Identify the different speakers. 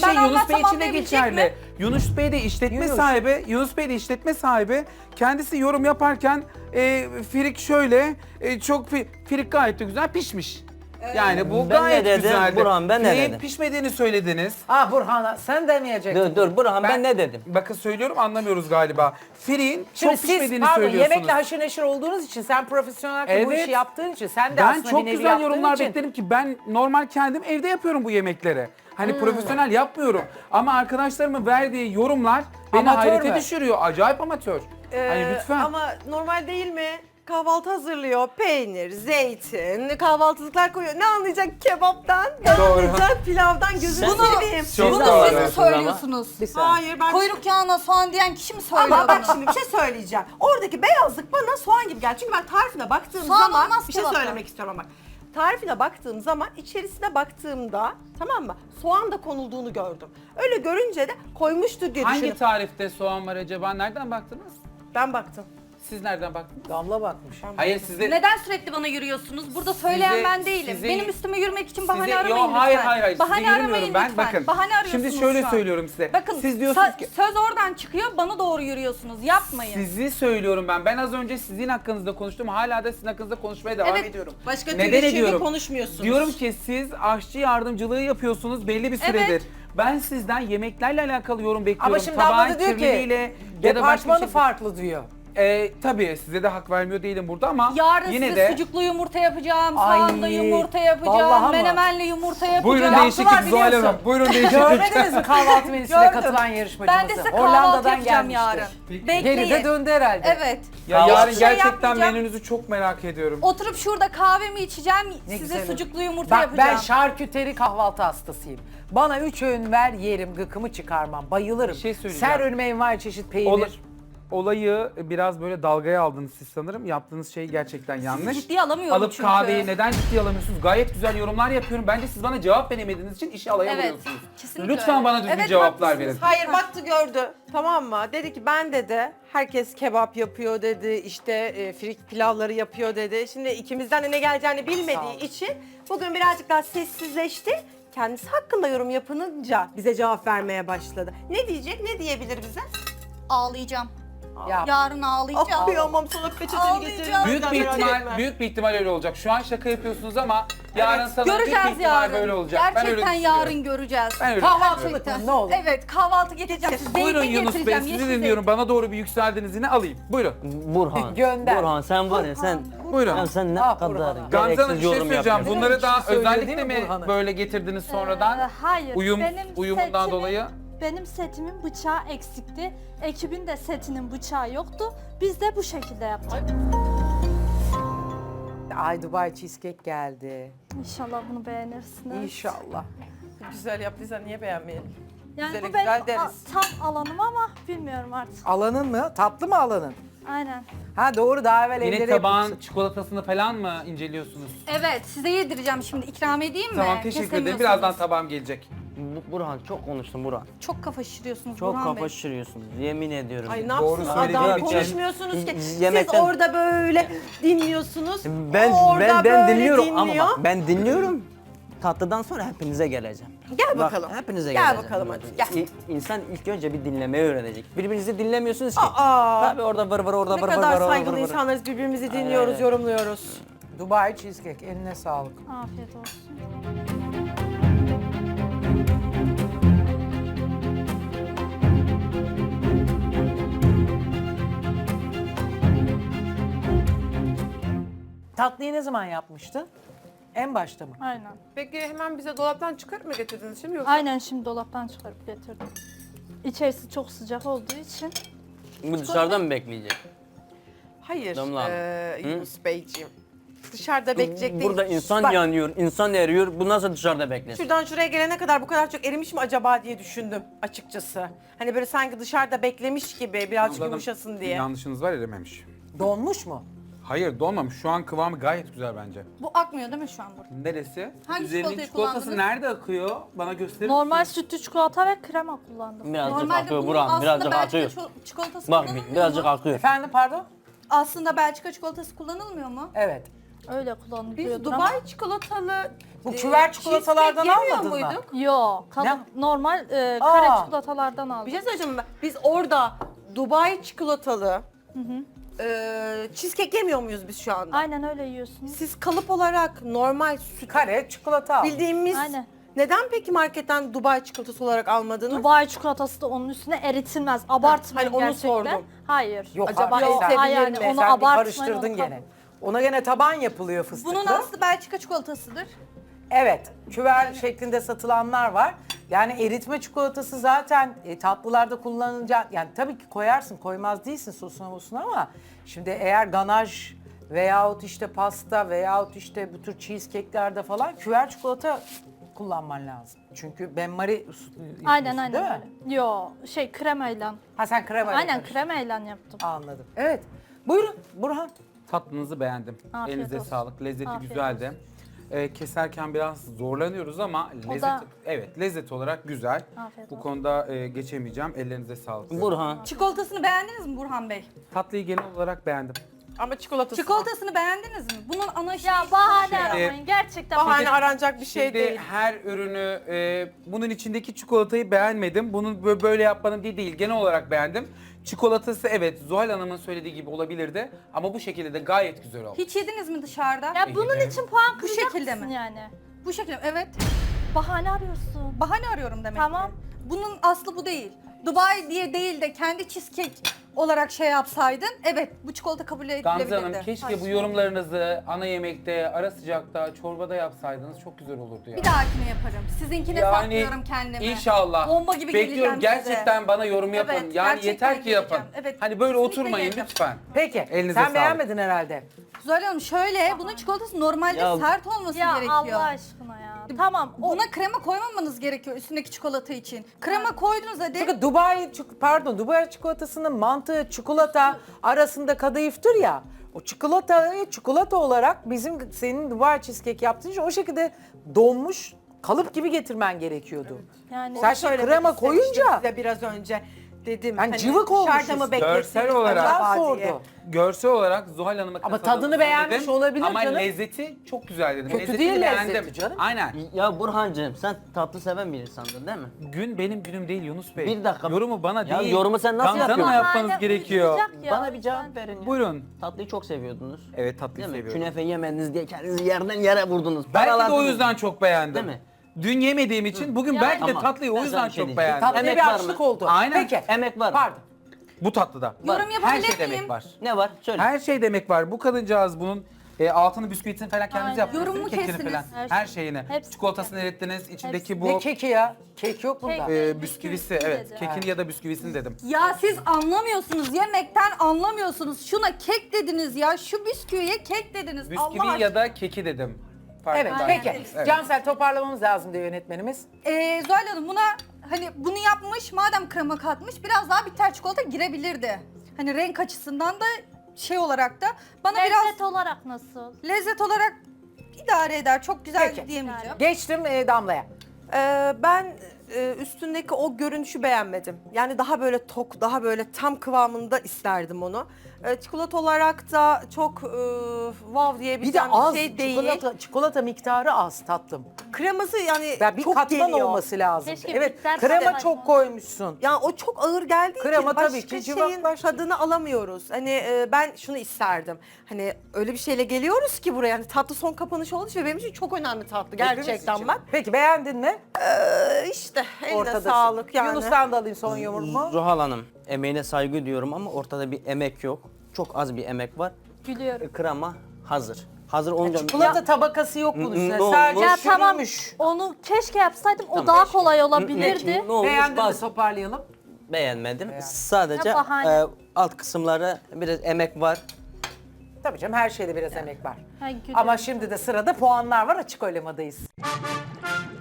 Speaker 1: şey Yunus Bey
Speaker 2: anlatsam
Speaker 1: için de
Speaker 2: anlayabilecek
Speaker 1: geçerli.
Speaker 2: mi?
Speaker 1: Yunus Bey de işletme
Speaker 3: Yunus.
Speaker 1: sahibi. Yunus Bey de işletme sahibi. Kendisi yorum yaparken firik şöyle çok firik gayet de güzel pişmiş. Yani bu
Speaker 4: Ben ne
Speaker 1: gayet
Speaker 4: dedim?
Speaker 1: güzeldi.
Speaker 4: Burhan, ben ne
Speaker 1: Firiğin
Speaker 4: dedim?
Speaker 1: pişmediğini söylediniz.
Speaker 3: Ah Burhan'a sen demeyecektin.
Speaker 4: Dur Burhan ben ne dedim?
Speaker 1: Bakın söylüyorum anlamıyoruz galiba. Firiğin
Speaker 3: Şimdi
Speaker 1: çok
Speaker 3: siz
Speaker 1: pişmediğini
Speaker 3: pardon
Speaker 1: söylüyorsunuz.
Speaker 3: yemekle haşır neşir olduğunuz için sen profesyonel bu
Speaker 1: Evet.
Speaker 3: işi yaptığın için sen de
Speaker 1: Ben
Speaker 3: aslında
Speaker 1: çok
Speaker 3: bir nevi
Speaker 1: güzel
Speaker 3: yaptığın
Speaker 1: yorumlar
Speaker 3: için.
Speaker 1: beklerim ki ben normal kendim evde yapıyorum bu yemekleri. Hani
Speaker 3: Hmm.
Speaker 1: profesyonel yapmıyorum. Ama arkadaşlarımın verdiği yorumlar beni
Speaker 3: Amatör
Speaker 1: hayrete
Speaker 3: mü?
Speaker 1: düşürüyor. Acayip amatör. Hani lütfen.
Speaker 5: Ama normal değil mi? Kahvaltı hazırlıyor. Peynir, zeytin, kahvaltılıklar koyuyor. Ne anlayacak kebaptan? Ne
Speaker 1: Doğru.
Speaker 5: anlayacak pilavdan? Gözünü
Speaker 4: Bunu-
Speaker 5: seveyim.
Speaker 1: Çok
Speaker 2: Bunu
Speaker 1: doğru.
Speaker 2: siz mi söylüyorsunuz?
Speaker 3: Bir saniye.
Speaker 5: Hayır ben...
Speaker 2: Kuyruk yağına soğan diyen kişi mi söylüyor
Speaker 5: Ama bak
Speaker 2: bunu?
Speaker 5: şimdi bir şey söyleyeceğim. Oradaki beyazlık bana soğan gibi geldi. Çünkü ben tarifine baktığım
Speaker 2: Soğan
Speaker 5: zaman
Speaker 2: olmaz
Speaker 5: bir şey
Speaker 2: kebapta.
Speaker 5: söylemek istiyorum ama. Tarifine baktığım zaman içerisine baktığımda tamam mı? Soğan da konulduğunu gördüm. Öyle görünce de koymuştur diye
Speaker 1: Hangi
Speaker 5: düşündüm.
Speaker 1: tarifte soğan var acaba? Nereden baktınız?
Speaker 5: Ben baktım.
Speaker 1: Siz nereden baktınız?
Speaker 3: Damla bakmış.
Speaker 1: Hayır size...
Speaker 2: Neden sürekli bana yürüyorsunuz? Burada söyleyen
Speaker 1: Size-
Speaker 2: ben değilim.
Speaker 1: size-
Speaker 2: Benim üstüme yürümek için bahane
Speaker 1: Size-
Speaker 2: aramayın
Speaker 1: Yo,
Speaker 2: lütfen.
Speaker 1: hayır.
Speaker 2: Bahane
Speaker 1: size
Speaker 2: aramayın
Speaker 1: yürümüyorum ben.
Speaker 2: lütfen.
Speaker 1: Bakın.
Speaker 2: Bahane arıyorsunuz
Speaker 1: Şimdi şöyle
Speaker 2: şu an.
Speaker 1: söylüyorum size.
Speaker 2: Bakın
Speaker 1: Siz diyorsunuz ki...
Speaker 2: söz oradan çıkıyor, bana doğru yürüyorsunuz. Yapmayın.
Speaker 1: Sizi söylüyorum ben. Ben az önce sizin hakkınızda konuştum. Hala da sizin hakkınızda konuşmaya devam
Speaker 2: Evet,
Speaker 1: ediyorum.
Speaker 5: Başka
Speaker 1: Neden
Speaker 5: türlü çünkü
Speaker 1: ediyorum?
Speaker 5: konuşmuyorsunuz.
Speaker 1: Diyorum ki siz aşçı yardımcılığı yapıyorsunuz belli bir süredir.
Speaker 2: Evet.
Speaker 1: Ben sizden yemeklerle alakalı yorum bekliyorum.
Speaker 3: Ama şimdi abla da diyor ki
Speaker 1: kirliliğiyle ya da başka
Speaker 3: departmanı
Speaker 1: bir şey.
Speaker 3: farklı diyor.
Speaker 1: Tabii size de hak vermiyor değilim burada ama
Speaker 2: Yarın
Speaker 1: yine
Speaker 2: size
Speaker 1: de
Speaker 2: sucuklu yumurta yapacağım,
Speaker 3: Ay,
Speaker 2: soğanlı yumurta yapacağım,
Speaker 3: vallahi ama.
Speaker 2: menemenli yumurta yapacağım.
Speaker 1: buyurun
Speaker 3: Yaptılar,
Speaker 1: değişiklik Zuhal
Speaker 3: biliyorsun.
Speaker 1: Hanım. Buyurun değişiklik.
Speaker 3: Görmediniz mi kahvaltı menüsüne
Speaker 2: Gördüm.
Speaker 3: katılan yarışmacımızı?
Speaker 2: Ben de size kahvaltı yapacağım yarın. Bekleyin.
Speaker 3: Geri de döndü herhalde.
Speaker 2: Evet.
Speaker 1: Ya
Speaker 3: Kahvaltı
Speaker 1: yarın
Speaker 2: şey
Speaker 1: gerçekten
Speaker 2: yapmayacağım.
Speaker 1: menünüzü çok merak ediyorum.
Speaker 2: Oturup şurada kahvemi içeceğim,
Speaker 3: Ne
Speaker 2: size
Speaker 3: güzel.
Speaker 2: sucuklu yumurta
Speaker 3: Bak
Speaker 2: yapacağım.
Speaker 3: ben şarküteri kahvaltı hastasıyım. Bana 3 öğün ver yerim, gıkımı çıkarmam. Bayılırım.
Speaker 1: Bir şey söyleyeceğim.
Speaker 3: Ser önüme envai çeşit peynir.
Speaker 1: Olayı biraz böyle dalgaya aldınız siz sanırım. Yaptığınız şey gerçekten yanlış.
Speaker 2: ciddiye alamıyorum
Speaker 1: Alıp
Speaker 2: çünkü.
Speaker 1: kahveyi neden ciddiye alamıyorsunuz? Gayet güzel yorumlar yapıyorum. Bence siz bana cevap veremediğiniz için işi alaya
Speaker 2: Evet,
Speaker 1: vuruyorsunuz.
Speaker 2: kesinlikle
Speaker 1: Lütfen
Speaker 2: öyle.
Speaker 1: bana düzgün
Speaker 2: Evet,
Speaker 1: cevaplar
Speaker 2: haklısınız.
Speaker 1: verin.
Speaker 5: Hayır baktı gördü tamam mı? Dedi ki ben dedi herkes kebap yapıyor dedi işte frik pilavları yapıyor dedi. Şimdi ikimizden de ne geleceğini
Speaker 3: Sağ ol.
Speaker 5: bilmediği için bugün birazcık daha sessizleşti. Kendisi hakkında yorum yapınınca bize cevap vermeye başladı. Ne diyecek ne diyebilir bize?
Speaker 2: Ağlayacağım.
Speaker 3: Ya,
Speaker 2: Yarın ağlayacağım.
Speaker 5: Kıyamam sana peçeteni
Speaker 2: Ağlayacağım.
Speaker 5: getirdim.
Speaker 1: Büyük bir ihtimal öyle olacak. Şu an şaka yapıyorsunuz ama yarın sanırım büyük bir
Speaker 2: Göreceğiz
Speaker 1: ihtimal
Speaker 2: yarın.
Speaker 1: böyle olacak. Ben öyle
Speaker 2: Gerçekten
Speaker 1: düşünüyorum.
Speaker 2: yarın göreceğiz.
Speaker 1: Ben öyle
Speaker 3: Kahvaltılık
Speaker 1: düşünüyorum.
Speaker 3: mı? Ne olur?
Speaker 2: Evet, kahvaltı getireceğim. Zeytin
Speaker 1: Buyurun Yunus Bey
Speaker 2: getireceğim,
Speaker 1: sizi
Speaker 2: yeşil
Speaker 1: dinliyorum. Bana doğru bir yükseldiniz yine alayım. Buyurun.
Speaker 4: Burhan.
Speaker 3: Gönder.
Speaker 4: Burhan sen var ya sen.
Speaker 1: Buyurun.
Speaker 4: Ya sen ne
Speaker 3: Ah,
Speaker 4: kadar
Speaker 3: Burhan.
Speaker 1: Gamze Hanım bir
Speaker 4: gereksiz
Speaker 1: şey
Speaker 4: yorum
Speaker 1: söyleyeceğim.
Speaker 4: yapıyorsun.
Speaker 1: Bunları da
Speaker 3: Kişi söylüyor
Speaker 1: özellikle
Speaker 3: değil mi
Speaker 1: mi
Speaker 3: Burhan'ı?
Speaker 1: böyle getirdiniz sonradan?
Speaker 6: Hayır,
Speaker 1: Uyumundan dolayı.
Speaker 6: Benim setimin bıçağı eksikti. Ekibin de setinin bıçağı yoktu. Biz de bu şekilde yaptık.
Speaker 3: Ay Dubai cheesecake geldi.
Speaker 6: İnşallah bunu beğenirsiniz.
Speaker 3: İnşallah.
Speaker 5: Güzel yaptıysan niye beğenmeyelim?
Speaker 6: Yani
Speaker 5: Güzel,
Speaker 6: bu benim
Speaker 5: güzel deriz.
Speaker 6: tam alanım ama bilmiyorum artık.
Speaker 3: Alanın mı? Tatlı mı alanın?
Speaker 6: Aynen.
Speaker 3: Ha doğru daha evvel
Speaker 1: Yine
Speaker 3: evlere
Speaker 1: tabağın
Speaker 3: yapılmıştı.
Speaker 1: çikolatasını falan mı inceliyorsunuz?
Speaker 2: Evet, size yedireceğim şimdi. İkram edeyim mi?
Speaker 1: Tamam teşekkür ederim.
Speaker 2: Kesemiyorsunuz.
Speaker 1: Birazdan tabağım gelecek.
Speaker 4: Burhan çok konuştun Burhan.
Speaker 2: Çok kafa şişiriyorsunuz
Speaker 4: Çok
Speaker 2: Burhan Bey.
Speaker 4: kafa şişiriyorsunuz. Yemin ediyorum.
Speaker 5: Ay ne
Speaker 1: Doğru
Speaker 5: yapsın
Speaker 1: söylediğin
Speaker 5: adam
Speaker 1: için.
Speaker 5: konuşmuyorsunuz ki.
Speaker 4: Yemekten-
Speaker 5: Siz orada böyle dinliyorsunuz.
Speaker 4: Ben
Speaker 5: o orada
Speaker 4: ben
Speaker 5: böyle
Speaker 4: dinliyorum
Speaker 5: dinliyor.
Speaker 4: ama bak ben dinliyorum. Tatlıdan sonra hepinize geleceğim.
Speaker 5: Gel
Speaker 4: Bak,
Speaker 5: bakalım.
Speaker 4: hepinize
Speaker 5: Gel
Speaker 4: geleceğim.
Speaker 5: bakalım hadi, gel.
Speaker 4: İnsan ilk önce bir dinlemeyi öğrenecek. Birbirinizi dinlemiyorsunuz ki.
Speaker 5: Aa.
Speaker 4: Tabii orada vır vır orada
Speaker 5: Ne
Speaker 4: vır vır
Speaker 5: kadar
Speaker 4: vır
Speaker 5: saygılı
Speaker 4: vır vır.
Speaker 5: insanlarız birbirimizi dinliyoruz,
Speaker 4: Aynen.
Speaker 5: yorumluyoruz.
Speaker 3: Dubai cheesecake eline sağlık.
Speaker 6: Afiyet olsun.
Speaker 3: Tatlıyı ne zaman yapmıştın? En başta mı?
Speaker 6: Aynen.
Speaker 5: Peki hemen bize dolaptan çıkarıp mı getirdiniz şimdi yoksa?
Speaker 6: Aynen şimdi dolaptan çıkarıp getirdim. İçerisi çok sıcak olduğu için.
Speaker 4: Bu dışarıda mı bekleyecek?
Speaker 5: Hayır
Speaker 4: Damla Hanım.
Speaker 5: Yunus Beyciğim. Dışarıda bekleyecek değil.
Speaker 4: Burada insan
Speaker 5: Bak,
Speaker 4: yanıyor, insan eriyor. Bu nasıl dışarıda beklesin?
Speaker 5: şuradan şuraya gelene kadar bu kadar çok erimiş mi acaba diye düşündüm açıkçası. Hani böyle sanki dışarıda beklemiş gibi birazcık
Speaker 1: Anladım.
Speaker 5: yumuşasın diye.
Speaker 1: Yanlışınız var erimemiş.
Speaker 3: Donmuş mu?
Speaker 1: Hayır donmamış. Şu an kıvamı gayet güzel bence.
Speaker 2: Bu akmıyor değil mi şu an burada?
Speaker 1: Neresi?
Speaker 2: Hangi
Speaker 1: Üzerinin
Speaker 2: çikolatayı
Speaker 1: çikolatası
Speaker 2: kullandınız?
Speaker 1: nerede akıyor? Bana gösterir
Speaker 6: Normal
Speaker 1: misiniz?
Speaker 6: sütlü çikolata ve krema kullandım.
Speaker 4: Birazcık
Speaker 2: Normalde
Speaker 4: akıyor
Speaker 2: bunun
Speaker 4: Burhan,
Speaker 2: aslında
Speaker 4: birazcık
Speaker 2: Belçika
Speaker 4: akıyor.
Speaker 2: çikolatası
Speaker 4: Bak
Speaker 2: kullanılmıyor
Speaker 4: birazcık
Speaker 2: mu?
Speaker 4: akıyor.
Speaker 3: Efendim pardon?
Speaker 2: Aslında Belçika çikolatası kullanılmıyor mu?
Speaker 3: Evet.
Speaker 6: Öyle kullanılıyordur
Speaker 5: Biz Dubai çikolatalı
Speaker 3: Bu küver çikolatalardan
Speaker 5: cheesecake yemiyor
Speaker 3: almadın mı?
Speaker 5: muyduk?
Speaker 6: Yok,
Speaker 3: Ne?
Speaker 6: normal kare
Speaker 3: Aa.
Speaker 6: çikolatalardan aldım.
Speaker 5: Bir şey söyleyeceğim ben. Biz orada Dubai çikolatalı cheesecake yemiyor muyuz biz şu anda?
Speaker 6: Aynen öyle yiyorsunuz.
Speaker 5: Siz kalıp olarak normal süt
Speaker 3: Kare çikolata al.
Speaker 5: bildiğimiz
Speaker 6: Aynen.
Speaker 5: neden peki marketten Dubai çikolatası olarak almadınız?
Speaker 6: Dubai çikolatası da onun üstüne eritilmez. Abartmayın
Speaker 5: hani onu
Speaker 6: gerçekten.
Speaker 5: sordum.
Speaker 6: Hayır.
Speaker 3: Yok
Speaker 5: Acaba
Speaker 3: abi, sen,
Speaker 5: esebilir
Speaker 6: yani
Speaker 5: mi?
Speaker 6: onu
Speaker 3: sen bir
Speaker 6: abartmayın,
Speaker 3: karıştırdın
Speaker 6: onu
Speaker 3: gene. Ona gene taban yapılıyor fıstıklı.
Speaker 2: Bunun aslı Belçika çikolatasıdır.
Speaker 3: Evet, küver şeklinde satılanlar var. Yani eritme çikolatası zaten tatlılarda kullanılacak. Yani tabii ki koyarsın, koymaz değilsin sosuna mosuna ama şimdi eğer ganaj veyahut işte pasta veyahut işte bu tür cheesecake'lerde falan küver çikolata kullanman lazım. Çünkü benmari
Speaker 6: Aynen
Speaker 3: değil mi?
Speaker 6: aynen öyle. Yo kremayla.
Speaker 3: Ha sen krema
Speaker 6: Aynen
Speaker 3: yapıyorsun.
Speaker 6: kremayla yaptım.
Speaker 3: Anladım. Evet. Buyurun Burhan.
Speaker 1: Tatlınızı beğendim.
Speaker 6: Afiyet
Speaker 1: Elinize
Speaker 6: olsun.
Speaker 1: sağlık. Lezzeti
Speaker 6: Afiyet
Speaker 1: güzeldi. Keserken biraz zorlanıyoruz ama lezzet lezzet olarak güzel.
Speaker 6: Afiyet
Speaker 1: Bu
Speaker 6: olsun.
Speaker 1: konuda geçemeyeceğim. Ellerinize sağlık.
Speaker 4: Burhan.
Speaker 2: Çikolatasını beğendiniz mi Burhan Bey?
Speaker 1: Tatlıyı genel olarak beğendim.
Speaker 5: Ama çikolatası
Speaker 2: Çikolatasını beğendiniz mi? Bunun ana şeyi...
Speaker 6: Ya bahane
Speaker 1: Şimdi-
Speaker 6: aramayın gerçekten.
Speaker 5: bahane aranacak bir şey
Speaker 1: Şimdi
Speaker 5: değil.
Speaker 1: her ürünü bunun içindeki çikolatayı beğenmedim. Bunun böyle yapmanın değil. Genel olarak beğendim. Çikolatası evet Zuhal Hanım'ın söylediği gibi olabilirdi ama bu şekilde de gayet güzel oldu.
Speaker 2: Hiç yediniz mi dışarıda?
Speaker 6: Ya bunun
Speaker 1: Yedim.
Speaker 6: için puan
Speaker 2: Bu
Speaker 6: kıracak
Speaker 2: şekilde
Speaker 6: mısın
Speaker 2: mi?
Speaker 6: yani?
Speaker 2: Bu şekilde evet.
Speaker 6: Bahane arıyorsun.
Speaker 2: Bahane arıyorum demek
Speaker 6: Tamam.
Speaker 2: ki. Bunun aslı bu değil. Dubai diye değil de kendi cheesecake olarak şey yapsaydın evet bu çikolata kabul edilebilirdi.
Speaker 1: Gamze Hanım keşke bu yorumlarınızı ana yemekte, ara sıcakta, çorbada yapsaydınız çok güzel olurdu ya.
Speaker 2: Bir dahakine yaparım. Sizinkine saklıyorum kendimi.
Speaker 1: İnşallah.
Speaker 2: Bomba gibi
Speaker 1: Bekliyorum
Speaker 2: geleceğim
Speaker 1: gerçekten
Speaker 2: size.
Speaker 1: bana yorum yapın.
Speaker 2: Evet,
Speaker 1: Yani
Speaker 2: gerçekten
Speaker 1: yeter ki yapın.
Speaker 2: geleceğim. Evet,
Speaker 1: Hani böyle
Speaker 2: kesinlikle
Speaker 1: oturmayın
Speaker 2: geleceğim.
Speaker 1: lütfen.
Speaker 3: Peki.
Speaker 1: Elinize
Speaker 3: sen
Speaker 1: sağlık.
Speaker 3: beğenmedin herhalde.
Speaker 2: Zuhal Hanım şöyle bunun çikolatası normalde
Speaker 4: Ya-
Speaker 2: sert olması
Speaker 6: Ya
Speaker 2: gerekiyor.
Speaker 6: Allah aşkına ya. Tamam.
Speaker 2: Buna krema koymamanız gerekiyor üstündeki çikolata için. Krema koydunuz hadi.
Speaker 3: Çünkü Dubai çikolatasının mantığı çikolata arasında kadayıftır ya. O çikolata olarak bizim senin Dubai cheesecake yaptığın için o şekilde donmuş kalıp gibi getirmen gerekiyordu.
Speaker 6: Yani
Speaker 3: Sen şimdi
Speaker 5: Söylemek
Speaker 3: krema
Speaker 5: istemiştim
Speaker 3: koyunca
Speaker 5: size biraz önce dedim.
Speaker 3: Yani cıvık olmuşuz.
Speaker 5: Dışarıda mı beklettiniz
Speaker 1: Görsel olarak-
Speaker 5: acaba diye.
Speaker 3: sordu.
Speaker 1: Görsel olarak Zuhal Hanım'a
Speaker 3: Ama
Speaker 1: katıldım
Speaker 3: tadını beğenmiş
Speaker 1: dedim.
Speaker 3: olabilir
Speaker 1: ama
Speaker 3: canım.
Speaker 1: lezzeti çok güzel dedim.
Speaker 3: Kötü
Speaker 1: Lezzetini
Speaker 3: değil
Speaker 1: beğendim.
Speaker 3: lezzeti canım.
Speaker 1: Aynen.
Speaker 4: Ya Burhancığım sen tatlı seven bir insandın değil mi?
Speaker 1: Gün benim günüm değil Yunus Bey.
Speaker 4: Bir dakika.
Speaker 1: Yorumu bana
Speaker 4: Ya
Speaker 1: değil.
Speaker 4: yorumu sen nasıl
Speaker 1: Gamze Hanım'a
Speaker 4: yapıyorsun?
Speaker 1: yapmanız
Speaker 6: bahane
Speaker 1: gerekiyor.
Speaker 6: uyuşacak ya.
Speaker 4: Bana bir cevap verin ya.
Speaker 1: Buyurun.
Speaker 4: Tatlıyı çok seviyordunuz.
Speaker 1: Evet tatlıyı
Speaker 4: Değil mi?
Speaker 1: seviyorum.
Speaker 4: Künefe yemediniz diye kendinizi yerden yere vurdunuz.
Speaker 1: Belki de o
Speaker 4: Paralandınız.
Speaker 1: yüzden çok beğendim.
Speaker 4: Değil mi?
Speaker 1: Dün yemediğim için bugün belki de
Speaker 4: Tamam.
Speaker 1: tatlıyı o
Speaker 4: Ben
Speaker 1: yüzden
Speaker 4: sana bir şey
Speaker 1: çok
Speaker 4: diyeyim.
Speaker 1: beğendim.
Speaker 3: Tatlıya
Speaker 4: Emek
Speaker 3: bir
Speaker 4: var
Speaker 3: açlık
Speaker 4: mı?
Speaker 3: oldu.
Speaker 1: Aynen.
Speaker 3: Peki.
Speaker 4: Emek var.
Speaker 3: Pardon.
Speaker 1: Bu tatlıda.
Speaker 2: Yorum
Speaker 1: Her
Speaker 2: yapabilir
Speaker 1: şey demek
Speaker 2: miyim?
Speaker 1: var.
Speaker 4: Ne var? Söyle.
Speaker 1: Her şey demek var. Bu kadıncağız bunun altını bisküvitini falan kendiniz
Speaker 6: Aynen.
Speaker 1: yaptınız.
Speaker 2: Yorumu
Speaker 1: Kekini
Speaker 2: kestiniz.
Speaker 1: falan.
Speaker 6: Her
Speaker 1: Her
Speaker 6: şey.
Speaker 1: şeyini.
Speaker 6: Hepsi.
Speaker 1: Çikolatasını erittiniz. İçindeki
Speaker 3: Ne
Speaker 1: bu
Speaker 3: keki ya? Kek yok bunda.
Speaker 6: Kek.
Speaker 1: bisküvisi.
Speaker 6: Bisküvisi
Speaker 1: Evet.
Speaker 6: dedi.
Speaker 1: Kekini ya da bisküvisini dedim.
Speaker 2: Ya siz anlamıyorsunuz. Yemekten anlamıyorsunuz. Şuna kek dediniz ya. Şu bisküviye kek dediniz. Allah
Speaker 1: Bisküvi
Speaker 2: aşkına.
Speaker 1: ya da keki dedim. Fark
Speaker 3: Evet
Speaker 1: var.
Speaker 3: peki.
Speaker 1: Evet.
Speaker 3: Cansel toparlamamız lazım diyor yönetmenimiz.
Speaker 2: Zuhal Hanım buna hani bunu yapmış madem krema katmış biraz daha bitter çikolata girebilirdi. Hani renk açısından da şey olarak da bana
Speaker 6: lezzet olarak nasıl?
Speaker 2: biraz lezzet olarak idare eder. Çok güzel
Speaker 3: Peki.
Speaker 2: diyemeyeceğim.
Speaker 3: Geçtim Damla'ya.
Speaker 5: Ben üstündeki o görünüşü beğenmedim. Yani daha böyle tok, daha böyle tam kıvamında isterdim onu. Çikolata olarak da çok wow
Speaker 3: Bir de
Speaker 5: diyebileceğim
Speaker 3: az
Speaker 5: bir şey değil.
Speaker 3: çikolata miktarı az tatlım.
Speaker 5: Kreması yani
Speaker 3: Ya bir
Speaker 5: çok
Speaker 3: katman
Speaker 5: geliyor.
Speaker 3: olması lazım.
Speaker 6: Keşke
Speaker 3: Evet,
Speaker 6: bitter
Speaker 3: krema
Speaker 6: katman
Speaker 3: çok
Speaker 6: olsa.
Speaker 3: koymuşsun.
Speaker 5: Yani o çok ağır geldiği
Speaker 3: Krema
Speaker 5: için
Speaker 3: tabii
Speaker 5: başka
Speaker 3: ki
Speaker 5: şeyin
Speaker 3: cıvıklaştı.
Speaker 5: tadını alamıyoruz. Hani ben şunu isterdim. Hani öyle bir şeyle geliyoruz ki buraya. Yani tatlı son kapanış olduğu için ve benim için çok önemli tatlı
Speaker 3: Hepimiz
Speaker 5: gerçekten
Speaker 3: için.
Speaker 5: bak.
Speaker 3: Peki beğendin mi?
Speaker 5: İşte eline
Speaker 3: Ortadasın.
Speaker 5: sağlık yani.
Speaker 3: Yunus'tan da alayım son yorumu.
Speaker 4: Zuhal Hanım emeğine saygı duyuyorum ama ortada bir emek yok. Çok az bir emek var.
Speaker 6: Gülüyorum.
Speaker 4: Krema hazır. Hazır olunca...
Speaker 3: Çikolata tabakası yok bunun üstüne.
Speaker 4: Ne
Speaker 3: Sadece
Speaker 4: olmuş?
Speaker 6: Ya tamam
Speaker 3: sürülmüş.
Speaker 6: onu keşke yapsaydım o daha kolay olabilirdi.
Speaker 4: Ne olmuş?
Speaker 3: Beğendin mi?
Speaker 4: Bazı-
Speaker 3: Toparlayalım.
Speaker 4: Beğenmedim. Sadece
Speaker 6: Ya bahane.
Speaker 4: alt kısımları biraz emek var.
Speaker 3: Tabii canım her şeyde biraz emek var.
Speaker 6: Ha, gülüyorum.
Speaker 3: Ama şimdi de sırada puanlar var. Açık oylamadayız.